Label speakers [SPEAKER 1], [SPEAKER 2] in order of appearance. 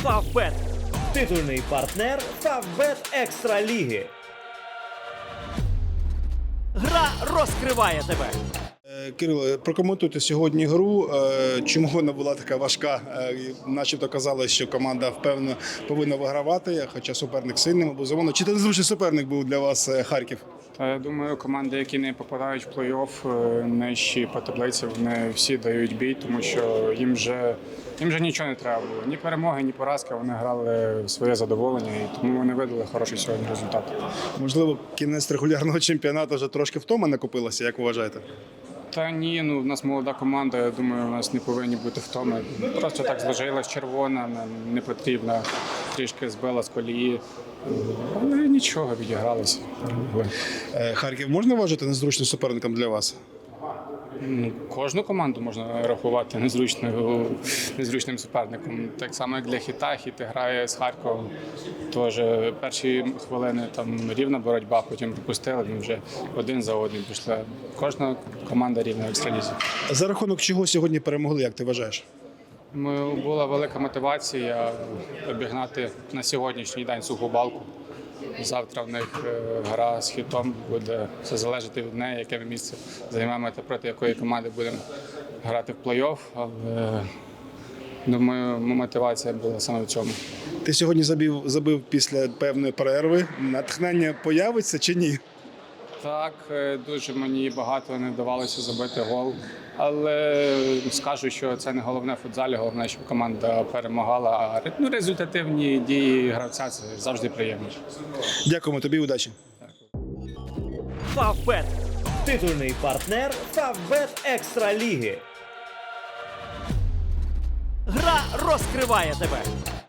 [SPEAKER 1] Фавбет – титульний партнер Фавбет Екстра Ліги. Гра розкриває тебе.
[SPEAKER 2] Кирило, прокоментуйте сьогодні гру. Чому вона була така важка? Начебто казали, що команда впевнено повинна вигравати, хоча суперник сильним, безумовно. Чи це незвичний суперник був для вас Харків?
[SPEAKER 3] Я думаю, команди, які не попадають в плей-офф, нижчі по таблиці, вони всі дають бій, тому що їм вже нічого не треба було. Ні перемоги, ні поразки. Вони грали в своє задоволення, і тому вони видали хороший сьогодні результат.
[SPEAKER 2] Можливо, кінець регулярного чемпіонату вже трошки втома накопилася, як вважаєте?
[SPEAKER 3] Та ні, у нас молода команда, я думаю, у нас не повинні бути втоми. Просто так зложилась червона, не потрібна, трішки збила з колії. Але нічого, відігралися.
[SPEAKER 2] Харків можна вважати незручним суперником для вас?
[SPEAKER 3] Кожну команду можна рахувати незручним суперником. Так само, як для Хіта. Хіт грає з Харковом. Тож перші хвилини там рівна боротьба, потім пропустили, ми вже один за одним пішли. Кожна команда рівна в екстралізі.
[SPEAKER 2] За рахунок чого сьогодні перемогли, як ти вважаєш?
[SPEAKER 3] Була велика мотивація обігнати на сьогоднішній день Суху Балку. Завтра в них гра з Хітом, буде все залежати від неї, яке ми місце займемо та проти якої команди будемо грати в плей-офф. Але, думаю, мотивація була саме в цьому.
[SPEAKER 2] Ти сьогодні забив після певної перерви. Натхнення появиться чи ні?
[SPEAKER 3] Так, дуже мені багато не вдавалося забити гол. Але скажу, що це не головне в футзалі, головне, щоб команда перемагала. А результативні дії гравця – це завжди приємно.
[SPEAKER 2] Дякуємо тобі, удачі.
[SPEAKER 1] Фавбет – титульний партнер Фавбет Екстра Ліги. Гра розкриває тебе.